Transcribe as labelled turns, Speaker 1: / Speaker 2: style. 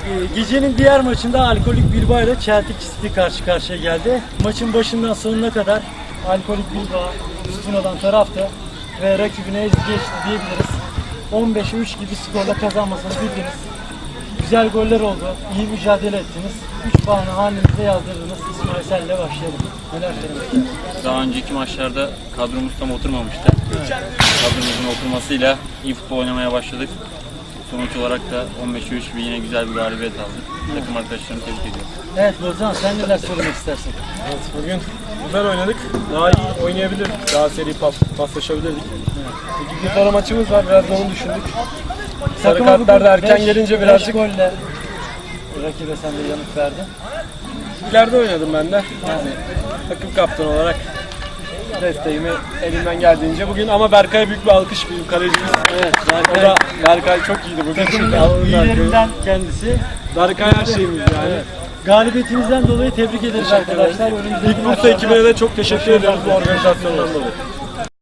Speaker 1: Gecenin diğer maçında Alkolik Bilbao ile Celtic City karşı karşıya geldi. Maçın başından sonuna kadar Alkolik Bilbao üstün olan taraftı ve rakibine ezip geçti diyebiliriz. 15'e 3 gibi skorla kazanmasını bildiniz. Güzel goller oldu, iyi mücadele ettiniz. 3 puanı hanenize yazdırdınız. İsmail senle başlayalım. Neler söylemek istersin?
Speaker 2: Daha önceki maçlarda kadromuz tam oturmamıştı.
Speaker 1: Evet.
Speaker 2: Kadromuzun oturmasıyla iyi futbol oynamaya başladık. Sonuç olarak da 15'e 3 gibi yine güzel bir galibiyet aldık. Takım arkadaşlarımı tebrik ediyorum.
Speaker 1: Evet Bozan, sen neler söylemek istersin?
Speaker 3: Evet, bugün güzel oynadık. Daha iyi oynayabilirdik. Daha seri paslaşabilirdik. Bir sonra maçımız var. Biraz da onu düşündük. Sarı
Speaker 1: Takıma
Speaker 3: kartlar da
Speaker 1: bugün
Speaker 3: erken gelince birazcık
Speaker 1: 5 golle rakibe sen de yanıt verdin.
Speaker 3: ileride oynadım ben de. Yani takım kaptanı olarak desteğimi elimden geldiğince bugün ama Berkay'a büyük bir alkış, büyük kalecimiz.
Speaker 1: Evet,
Speaker 3: O da Berkay çok iyiydi bugün.
Speaker 1: takımın iyilerinden kendisi.
Speaker 3: Berkay her şeyimiz yani.
Speaker 1: Evet. Galibiyetinizden dolayı tebrik ederiz arkadaşlar. Önümüzdeki
Speaker 3: İlk Bursa ekibine de çok teşekkür ediyoruz bu organizasyondan dolayı.